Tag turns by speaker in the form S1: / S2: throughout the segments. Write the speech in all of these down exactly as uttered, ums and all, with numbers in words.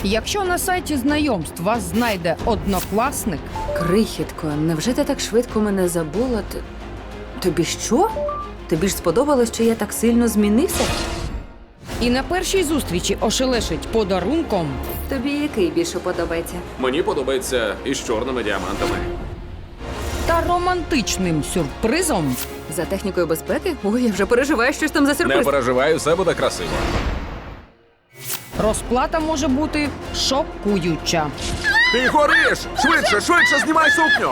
S1: Якщо на сайті знайомств вас знайде однокласник,
S2: Крихітко, невже ти так швидко мене забула? Т- Тобі що? Тобі ж сподобалось, що я так сильно змінився?
S1: і на першій зустрічі ошелешить подарунком,
S2: Тобі який більше подобається?
S3: Мені подобається із чорними діамантами.
S1: та романтичним сюрпризом,
S2: За технікою безпеки? Ой, я вже переживаю, що ж там за
S3: Не
S2: сюрприз.
S3: переживай, все буде красиво.
S1: розплата може бути шокуюча.
S3: Ти гориш! Швидше, швидше знімай сукню!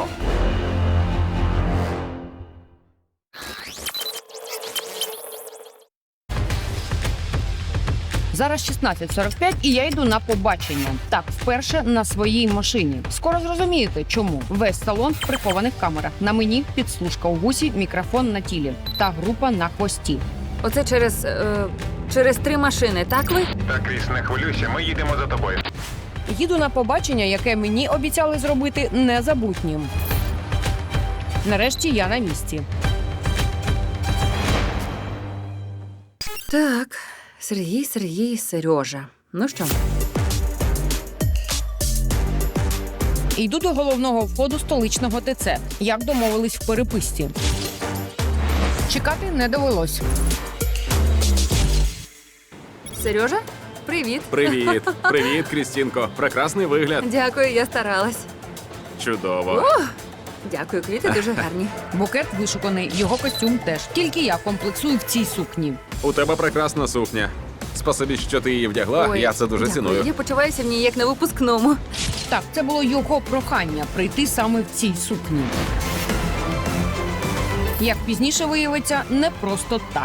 S1: Зараз шістнадцять сорок п'ять і я йду на побачення. Так, вперше на своїй машині. Скоро зрозумієте, чому. Весь салон в прихованих камерах. На мені підслужка у вусі, мікрофон на тілі та група на хвості.
S2: Оце через. Е, через три машини, так ви?
S4: Так, Кріс, не хвилюйся, ми їдемо за тобою.
S1: Їду на побачення, яке мені обіцяли зробити незабутнім. Нарешті я на місці.
S2: Так, Сергій, Сергій, Сережа. Ну що?
S1: Йду до головного входу столичного ТЦ, як домовились в переписці. Чекати не довелось.
S2: Сережа? Привіт.
S3: Привіт! Привіт, Крістінко. Прекрасний вигляд.
S2: Дякую, я старалась.
S3: Чудово.
S2: Дякую, квіти дуже гарні.
S1: Букет вишуканий, його костюм теж. Тільки я комплексую в цій сукні.
S3: У тебе прекрасна сукня. Спасибі, що ти її вдягла,
S2: Ой,
S3: я це дуже
S2: дякую.
S3: ціную.
S2: Я почуваюся в ній як на випускному.
S1: Так, це було його прохання прийти саме в цій сукні. Як пізніше виявиться, не просто так.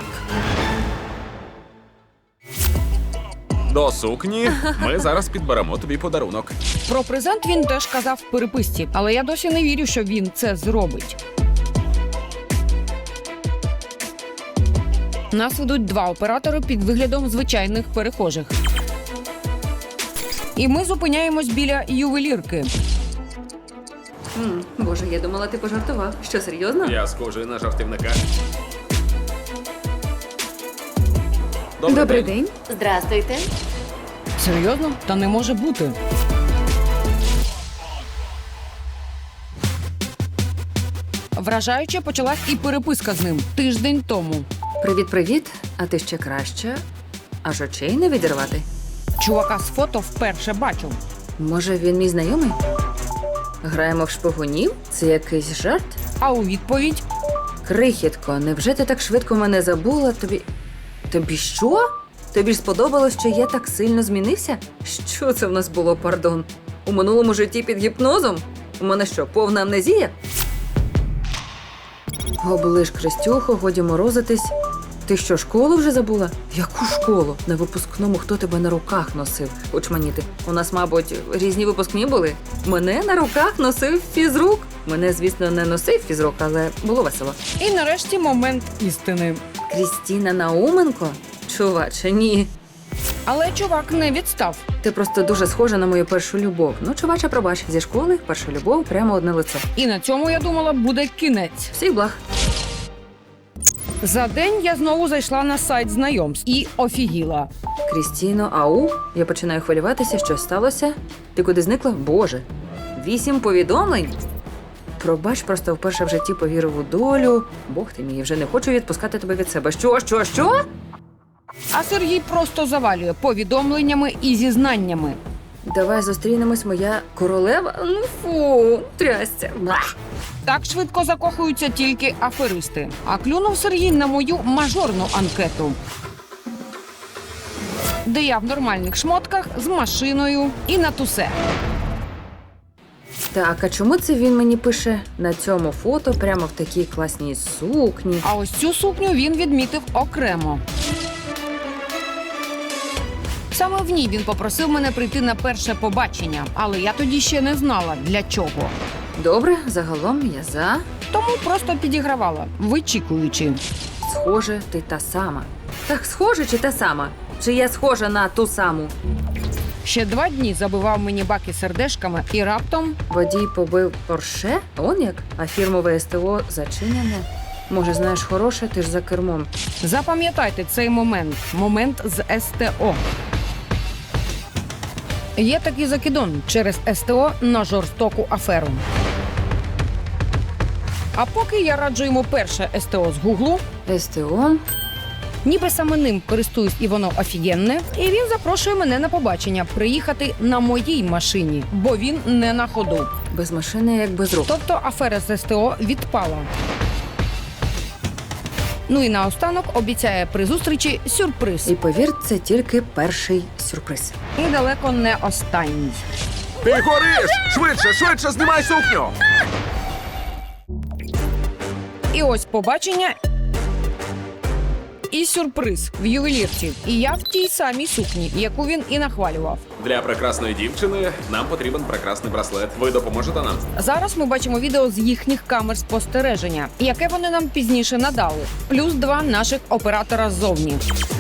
S3: До сукні ми зараз підберемо тобі подарунок.
S1: Про презент він теж казав в переписці, але я досі не вірю, що він це зробить. Нас ведуть два оператори під виглядом звичайних перехожих. І ми зупиняємось біля ювелірки.
S2: М, Боже, я думала, ти пожартував. Що, серйозно?
S3: Я схожий на жартівника.
S2: Добрий день.
S5: Здрастуйте.
S1: Серйозно? Та не може бути. Вражаюче почалась і переписка з ним тиждень тому.
S2: Привіт-привіт. А ти ще краще. Аж очей не відірвати.
S1: Чувака з фото вперше бачу.
S2: Може, він мій знайомий? Граємо в шпигунів? Це якийсь жарт?
S1: А у відповідь
S2: Крихітко, невже ти так швидко мене забула? Тобі. Тобі що? Тобі ж сподобалось, що я так сильно змінився? Що це в нас було, пардон? У минулому житті під гіпнозом? У мене що, повна амнезія? Оближ, Крistюхо, годі морозитись. Ти що, школу вже забула? Яку школу? На випускному хто тебе на руках носив? Очманіти. У нас, мабуть, різні випускні були. Мене на руках носив фізрук. Мене, звісно, не носив фізрук, але було весело.
S1: і нарешті момент істини.
S2: Крістіна Науменко? Чуваче, ні.
S1: Але чувак не відстав.
S2: Ти просто дуже схожа на мою першу любов. Ну, чуваче, пробач, зі школи перша любов прямо одне лице.
S1: І на цьому, я думала, буде кінець.
S2: Всіх благ.
S1: За день я знову зайшла на сайт знайомств і офігіла.
S2: Крістіно, ау, я починаю хвилюватися, що сталося. Ти куди зникла? Боже, вісім повідомлень? Пробач, просто вперше в житті повірив у долю. Бог ти мій, вже не хочу відпускати тебе від себе. Що, що, що?
S1: А Сергій просто завалює повідомленнями і зізнаннями.
S2: Давай зустрінемось, моя королева. Ну фу, трясця. Блах.
S1: Так швидко закохуються тільки аферисти. А клюнув Сергій на мою мажорну анкету, де я в нормальних шмотках з машиною і на тусе.
S2: Так, а чому це він мені пише на цьому фото прямо в такій класній сукні?
S1: А ось цю сукню він відмітив окремо. Саме в ній він попросив мене прийти на перше побачення, але я тоді ще не знала, для чого.
S2: Добре, загалом я за.
S1: Тому просто підігравала, вичікуючи.
S2: Схоже, ти та сама. Так, схоже чи та сама? Чи я схожа на ту саму?
S1: Ще два дні забивав мені баки сердешками і раптом
S2: Водій побив Порше? Он як? А фірмове СТО зачинене? Може, знаєш, хороше, ти ж за кермом.
S1: запам'ятайте цей момент. Момент з ес те о. Є такий закидон через СТО на жорстоку аферу. А поки я раджу йому перше СТО з Гуглу,
S2: СТО.
S1: ніби саме ним користуюсь і воно офігенне, і він запрошує мене на побачення приїхати на моїй машині, бо він не на ходу.
S2: Без машини, як без рук.
S1: Тобто афера з СТО відпала. Ну і наостанок обіцяє при зустрічі сюрприз.
S2: І повір, це тільки перший сюрприз.
S1: І далеко не останній.
S3: Ти гориш! Швидше, швидше знімай сукню!
S1: І ось побачення і сюрприз в ювелірці. І я в тій самій сукні, яку він і нахвалював.
S3: Для прекрасної дівчини нам потрібен прекрасний браслет. Ви допоможете нам?
S1: Зараз ми бачимо відео з їхніх камер спостереження, яке вони нам пізніше надали. Плюс два наших оператора ззовні.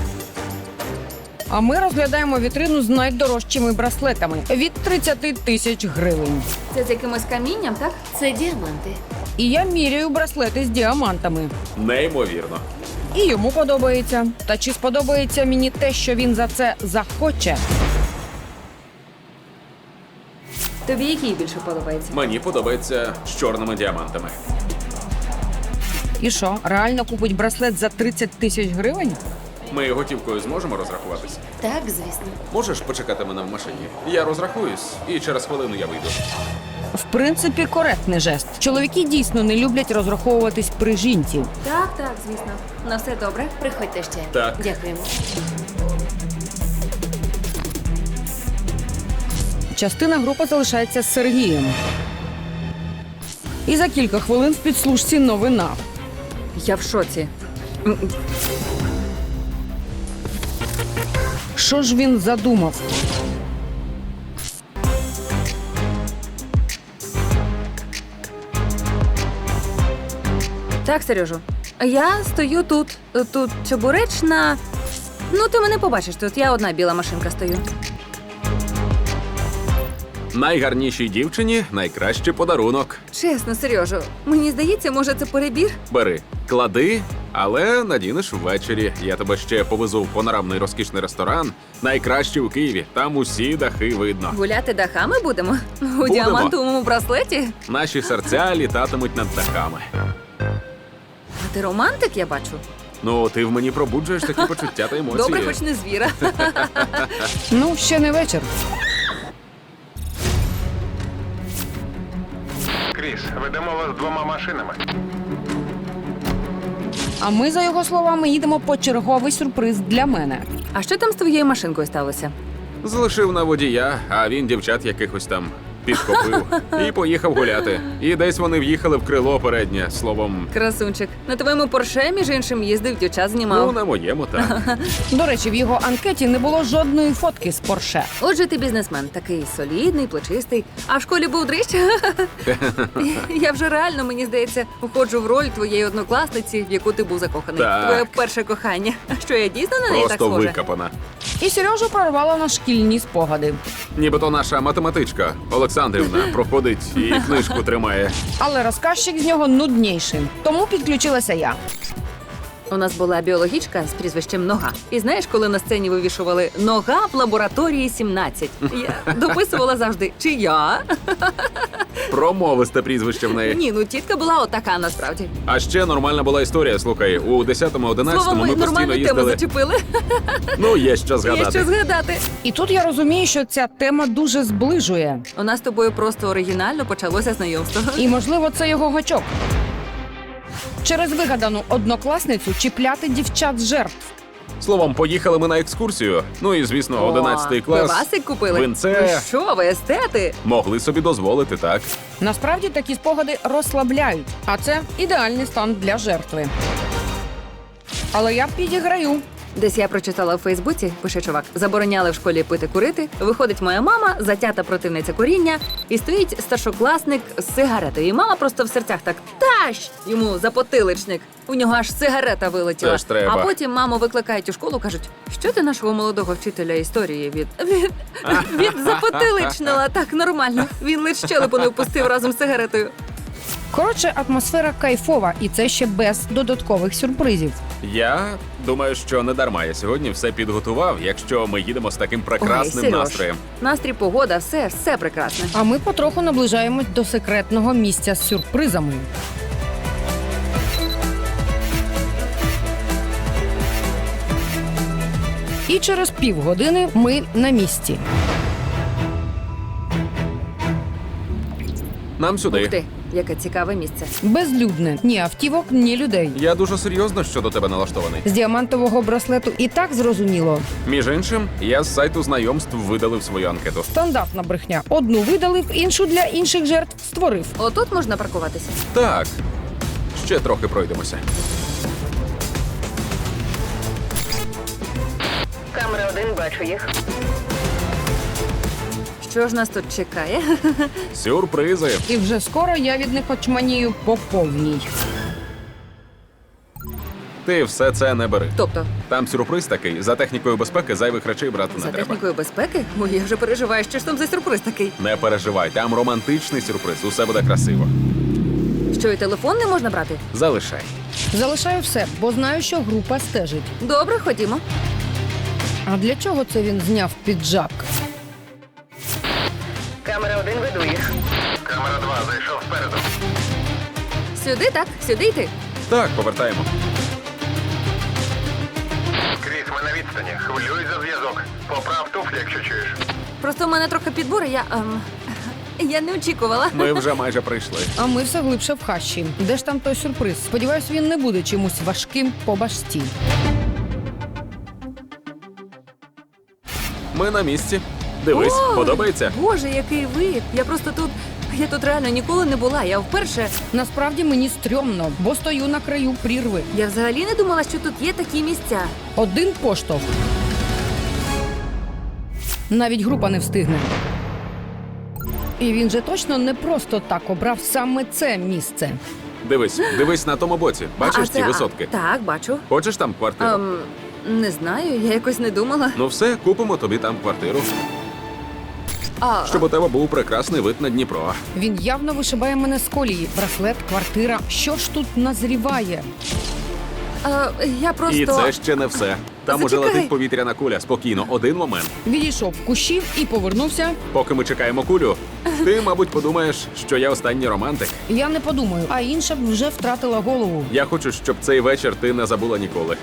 S1: А ми розглядаємо вітрину з найдорожчими браслетами від тридцять тисяч гривень.
S2: Це з якимось камінням, так?
S5: Це діаманти.
S1: І я міряю браслети з діамантами.
S3: Неймовірно.
S1: І йому подобається. Та чи сподобається мені те, що він за це захоче?
S2: Тобі який більше подобається?
S3: Мені подобається з чорними діамантами.
S1: І що, реально купить браслет за тридцять тисяч гривень?
S3: Ми готівкою зможемо розрахуватися?
S5: Так, звісно.
S3: Можеш почекати мене в машині? Я розрахуюсь, і через хвилину я вийду.
S1: В принципі, коректний жест. Чоловіки дійсно не люблять розраховуватись при жінці.
S2: Так, так, звісно. На все добре.
S5: Приходьте ще.
S3: Так.
S5: Дякуємо.
S1: Частина групи залишається з Сергієм. І за кілька хвилин в підслужці новина.
S2: Я в шоці.
S1: Що ж він задумав?
S2: Так, Сережу, я стою тут. Тут чебуречна. Ну, ти мене побачиш, тут я одна біла машинка стою.
S3: Найгарнішій дівчині найкращий подарунок.
S2: Чесно, Сережу, мені здається, може, це перебір?
S3: Бери, клади, але надінеш ввечері. Я тебе ще повезу в панорамний розкішний ресторан. Найкращий у Києві. Там усі дахи видно.
S2: Гуляти дахами будемо? У діамантовому браслеті?
S3: Наші серця літатимуть над дахами.
S2: А ти романтик, я бачу.
S3: Ну, ти в мені пробуджуєш такі почуття та емоції.
S2: Добре, хоч не звіра.
S1: Ну, ще не вечір.
S4: Кріс, ведемо вас двома машинами.
S1: А ми, за його словами, їдемо по черговий сюрприз для мене.
S2: А що там з твоєю машинкою сталося?
S3: Залишив на водія, а він дівчат якихось там підхопив і поїхав гуляти. І десь вони в'їхали в крило переднє, словом,
S2: Красунчик. На твоєму порше, між іншим, їздив, дівчат
S3: ну,
S2: знімав.
S3: на моєму, так.
S1: До речі, в його анкеті не було жодної фотки з Порше.
S2: Отже, ти бізнесмен, такий солідний, плечистий. А в школі був дрищ? Я вже реально, мені здається, входжу в роль твоєї однокласниці, в яку ти був закоханий.
S3: Так.
S2: Твоє перше кохання. Що я дійсно на неї так
S3: Просто
S2: схожа?
S3: викопана.
S1: І Сережу прорвала на шкільні спогади.
S3: Нібито наша математичка Олександрівна проходить і книжку тримає.
S1: Але розказчик з нього нудніший. Тому підключилася я.
S2: У нас була біологічка з прізвищем Нога. І знаєш, коли на сцені вивішували «Нога в лабораторії сімнадцять», я дописувала завжди «Чи я?»
S3: Промовисте прізвище в неї.
S2: Ні, ну тітка була отака насправді.
S3: А ще нормальна була історія. Слухай, у десятому-одинадцятому
S2: Словом,
S3: ми
S2: ми
S3: постійно
S2: нормальну тему
S3: їздили.
S2: зачепили.
S3: Ну, є що
S2: Є
S3: згадати.
S2: що згадати.
S1: І тут я розумію, що ця тема дуже зближує.
S2: У нас з тобою просто оригінально почалося знайомство.
S1: І, можливо, це його гачок. Через вигадану однокласницю чіпляти дівчат з жертв.
S3: Словом, поїхали ми на екскурсію. Ну і, звісно, одинадцятий клас.
S2: Пивасик купили?
S3: Винце.
S2: Ви що, ви естети?
S3: Могли собі дозволити, так.
S1: Насправді такі спогади розслабляють, а це ідеальний стан для жертви. Але я підіграю.
S2: Десь я прочитала в Фейсбуці, пише чувак, забороняли в школі пити курити. Виходить моя мама, затята противниця куріння, і стоїть старшокласник з сигаретою. І мама просто в серцях так тащ йому за потиличник. У нього аж сигарета вилетіла.
S3: Це ж треба.
S2: А потім маму викликають у школу, кажуть, що ти нашого молодого вчителя історії від від, від запотиличнила. Так нормально. Він лише щелепу не впустив разом з сигаретою.
S1: Коротше, атмосфера кайфова, і це ще без додаткових сюрпризів.
S3: Я думаю, що не дарма я сьогодні все підготував, якщо ми їдемо з таким прекрасним
S2: Ой, Серьож,
S3: настроєм.
S2: Настрій, погода, все, все прекрасне.
S1: А ми потроху наближаємось до секретного місця з сюрпризами. І через півгодини ми на місці.
S3: Нам сюди.
S2: Ух ти, яке цікаве місце.
S1: Безлюдне. Ні автівок, ні людей.
S3: Я дуже серйозно щодо тебе налаштований.
S1: З діамантового браслету і так зрозуміло.
S3: Між іншим, я з сайту знайомств видалив свою анкету.
S1: Стандартна брехня. Одну видалив, іншу для інших жертв створив.
S2: Отут можна паркуватися.
S3: Так, ще трохи пройдемося.
S5: Камера один, бачу їх.
S2: Що ж нас тут чекає?
S3: Сюрпризи.
S1: І вже скоро я від них очманію по повній.
S3: Ти все це не бери.
S2: Тобто,
S3: Там сюрприз такий. За технікою безпеки зайвих речей брати не
S2: за
S3: треба.
S2: технікою безпеки? Ой, я вже переживаю, що ж там за сюрприз такий.
S3: Не переживай, там романтичний сюрприз. Усе буде красиво.
S2: Що, і телефон не можна брати?
S3: Залишай.
S1: Залишаю все, бо знаю, що група стежить.
S2: Добре, ходімо.
S1: А для чого це він зняв піджак?
S5: Камера один, веду їх.
S4: Камера два, зайшов спереду.
S2: Сюди, так? Сюди йти?
S3: Так, повертаємо.
S4: Кріс, ми на відстані. Хвилюй за зв'язок. Поправ туфлі, якщо чуєш.
S2: Просто в мене трохи підбори, я. Ем, я не очікувала.
S3: Ми вже майже прийшли.
S1: А ми все глибше в хащі. Де ж там той сюрприз? Сподіваюсь, він не буде чимось важким по башті.
S3: Ми на місці. Дивись,
S2: Ой,
S3: подобається?
S2: Боже, який вид! Я просто тут. Я тут реально ніколи не була. Я вперше.
S1: Насправді мені стрьомно, бо стою на краю прірви.
S2: Я взагалі не думала, що тут є такі місця.
S1: Один поштовх. Навіть група не встигне. І він же точно не просто так обрав саме це місце.
S3: Дивись, дивись на тому боці. Бачиш
S2: А,
S3: ці
S2: це- а,
S3: висотки?
S2: Так, бачу.
S3: Хочеш там квартиру?
S2: Ем, не знаю, я якось не думала.
S3: Ну все, купимо тобі там квартиру,
S2: А,
S3: щоб у тебе був прекрасний вид на Дніпро.
S1: Він явно вишибає мене з колії. Браслет, квартира. Що ж тут назріває?
S2: а, я просто.
S3: І це ще не все. Там уже
S2: Зачекай.
S3: летить повітряна куля. Спокійно, один момент.
S1: Відійшов в кущів і повернувся.
S3: Поки ми чекаємо кулю, ти, мабуть, подумаєш, що я останній романтик.
S1: Я не подумаю, а інша б вже втратила голову.
S3: Я хочу, щоб цей вечір ти не забула ніколи.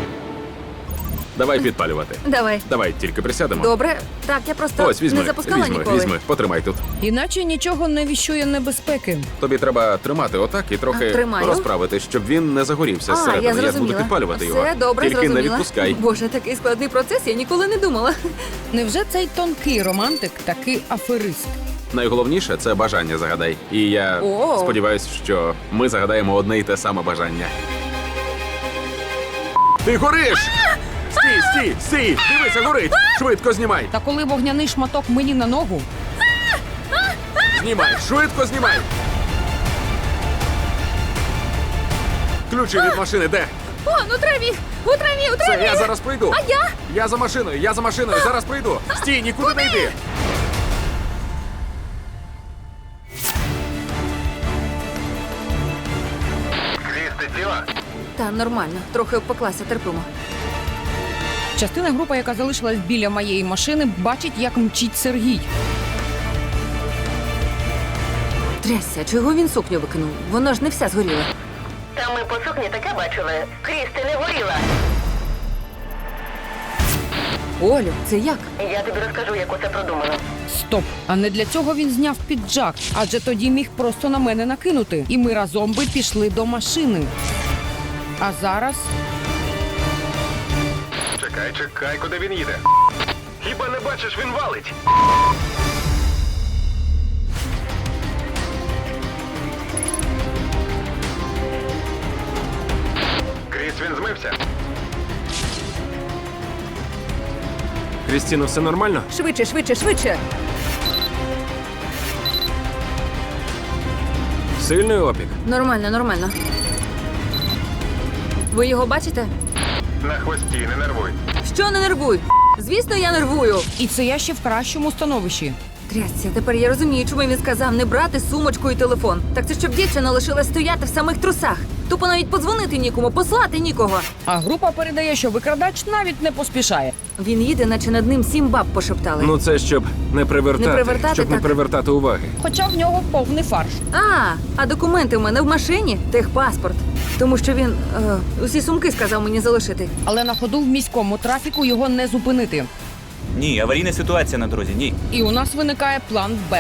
S3: Давай підпалювати.
S2: Давай.
S3: Давай, тільки присядемо.
S2: Добре. Так, я просто
S3: Ось, візьми,
S2: не запускала
S3: візьми,
S2: ніколи.
S3: візьми, потримай тут.
S1: Іначе нічого не віщує небезпеки.
S3: Тобі треба тримати отак і трохи
S2: А, тримаю.
S3: розправити, щоб він не загорівся
S2: А,
S3: зсередини.
S2: я
S3: Я буду
S2: зрозуміла.
S3: підпалювати
S2: Все,
S3: його.
S2: добре,
S3: Тільки
S2: зрозуміла.
S3: не відпускай.
S2: Боже, такий складний процес, я ніколи не думала.
S1: Невже цей тонкий романтик такий аферист?
S3: Найголовніше це бажання загадай. І я
S2: О.
S3: сподіваюся, що ми загадаємо одне і те саме бажання. Ти гориш! Стій, стій, стій! Дивися, горить! Швидко знімай!
S1: Та коли вогняний шматок мені на ногу,
S3: Знімай! Швидко знімай! Ключі від машини де?
S2: О, ну траві! У траві, у
S3: Це
S2: траві!
S3: я зараз прийду.
S2: А я?
S3: Я за машиною, я за машиною, зараз прийду. Стій, нікуди не йди.
S4: Кріс, ти ціла?
S2: Та нормально, трохи обпеклася, терпимо.
S1: частина групи, яка залишилась біля моєї машини, бачить, як мчить Сергій.
S2: Трясся, чого він сукню викинув? Вона ж не вся згоріла.
S5: Там ми по сукні таке бачили. Кріс, ти не горіла.
S2: Олю, це як?
S5: Я тобі розкажу, як усе продумано.
S1: Стоп! А не для цього він зняв піджак, адже тоді міг просто на мене накинути. І ми разом би пішли до машини. А зараз
S4: Чекай, чекай, куди він їде. Хіба не бачиш, він валить? Кріс, він змився.
S3: Крістіно, все нормально?
S2: Швидше, швидше, швидше!
S3: Сильний опік.
S2: Нормально, нормально. Ви його бачите?
S4: На хвості, не нервуй.
S2: Що не нервуй? Звісно, я нервую.
S1: і це я ще в кращому становищі.
S2: Трясся, тепер я розумію, чому він сказав не брати сумочку і телефон. Так це щоб дівчина лишилась стояти в самих трусах. Тупо навіть подзвонити нікому, послати нікого.
S1: А група передає, що викрадач навіть не поспішає.
S2: Він їде, наче над ним сім баб пошептали.
S6: Ну це щоб не привертати,
S2: Не привертати,
S6: щоб не
S2: так.
S6: привертати уваги.
S1: Хоча в нього повний фарш.
S2: А, а документи в мене в машині, техпаспорт. Тому що він е, усі сумки сказав мені залишити.
S1: Але на ходу в міському трафіку його не зупинити.
S7: Ні, аварійна ситуація на дорозі, ні.
S1: І у нас виникає план Б.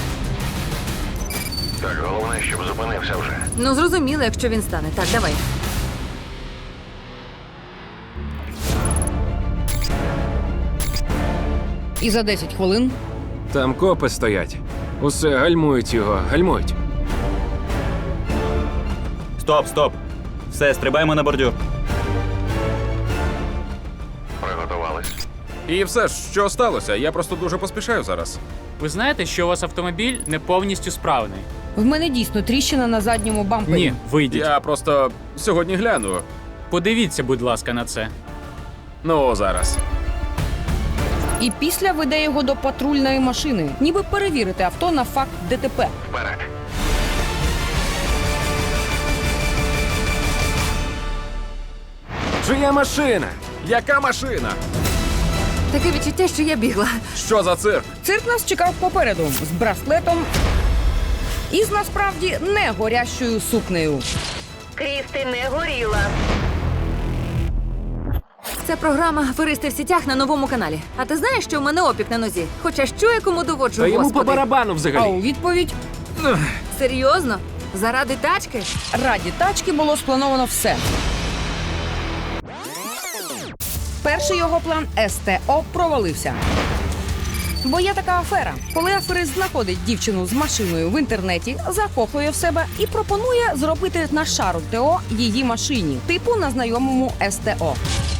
S4: Так, головне, щоб зупинився вже.
S2: Ну, зрозуміло, якщо він стане. Так, давай.
S1: І за десять хвилин
S6: Там копи стоять. Усе гальмують його, гальмують.
S7: Стоп, стоп. Все, стрибаємо на бордюр.
S4: Приготувались.
S3: І все ж, що сталося? Я просто дуже поспішаю зараз.
S8: Ви знаєте, що у вас автомобіль не повністю справний?
S1: в мене дійсно тріщина на задньому бампері.
S8: Ні, вийдіть.
S3: Я просто сьогодні гляну.
S8: Подивіться, будь ласка, на це.
S3: Ну, зараз.
S1: І після веде його до патрульної машини, ніби перевірити авто на факт ДТП.
S4: Вперед.
S6: Чия машина?
S3: Яка машина?
S2: Таке відчуття, що я бігла.
S3: Що за цирк?
S1: Цирк нас чекав попереду з браслетом і з насправді не горящою сукнею.
S5: Крісти не горіла.
S2: Це програма «Аферисти в сітях» на новому каналі. А ти знаєш, що в мене опік на нозі? Хоча що я кому доводжу,
S6: Та йому по
S2: господи?
S6: барабану
S1: А
S6: взагалі.
S1: у відповідь
S2: Серйозно? Заради тачки?
S1: раді тачки було сплановано все. Перший його план СТО провалився. Бо є така афера, коли аферист знаходить дівчину з машиною в інтернеті, закохує в себе і пропонує зробити на шару ТО її машині, типу на знайомому СТО.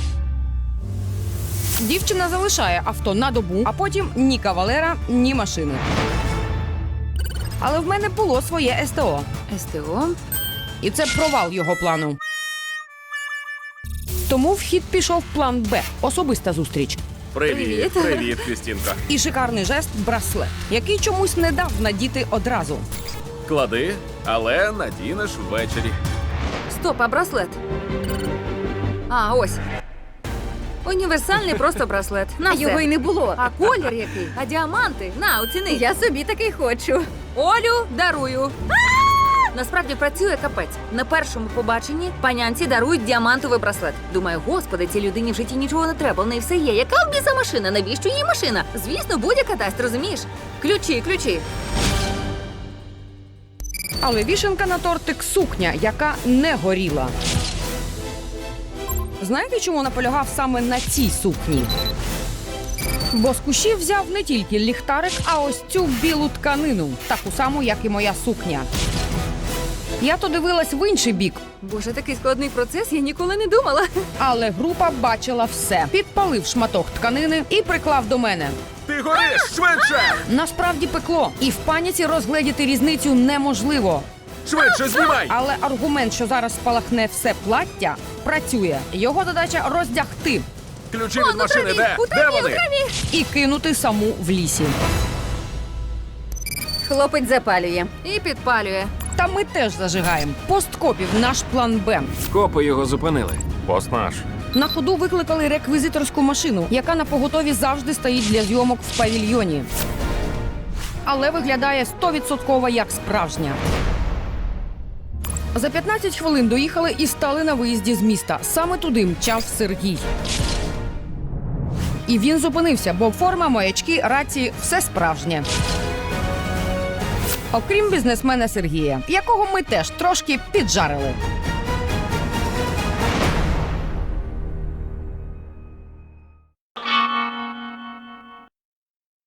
S1: Дівчина залишає авто на добу, а потім ні кавалера, ні машини. Але в мене було своє СТО.
S2: СТО?
S1: І це провал його плану. Тому в хід пішов план Б – особиста зустріч.
S3: Привіт,
S2: Привіт.
S3: привіт, Крістінка.
S1: І шикарний жест – браслет, який чомусь не дав надіти одразу.
S3: Клади, але надінеш ввечері.
S2: Стоп, а браслет? А, ось. Універсальний просто браслет. На все.
S9: Його й не було.
S2: А колір який? А діаманти? На, оціни.
S9: Я собі такий хочу.
S2: Олю дарую. Насправді працює капець. На першому побаченні панянці дарують діамантовий браслет. Думаю, господи, цій людині в житті нічого не треба, в неї все є. Яка в біса машина? Навіщо їй машина? Звісно, будь-яка дасть, розумієш? Ключі, ключі.
S1: Але вішенка на тортик – сукня, яка не горіла. Знаєте, чому наполягав саме на цій сукні? Бо з кущів взяв не тільки ліхтарик, а ось цю білу тканину, таку саму, як і моя сукня. Я то дивилась в інший бік,
S2: Боже, такий складний процес, я ніколи не думала.
S1: але група бачила все. Підпалив шматок тканини і приклав до мене.
S3: Ти гориш, швидше!
S1: Насправді пекло, і в паніці розгледіти різницю неможливо.
S3: Швидше знімай!
S1: Але аргумент, що зараз спалахне все плаття, працює. Його задача роздягти
S3: Ключі від машини
S2: траві,
S3: де?
S2: у траві,
S3: Де
S2: у
S3: вони?
S1: і кинути саму в лісі.
S9: Хлопець запалює.
S2: І підпалює.
S1: Та ми теж зажигаємо. Посткопів наш план Б.
S6: Копи його зупинили.
S3: Пост наш.
S1: На ходу викликали реквізиторську машину, яка на поготові завжди стоїть для зйомок в павільйоні. Але виглядає сто відсотків як справжня. За п'ятнадцять хвилин доїхали і стали на виїзді з міста. Саме туди мчав Сергій. І він зупинився, бо форма, маячки, рації – все справжнє. Окрім бізнесмена Сергія, якого ми теж трошки піджарили.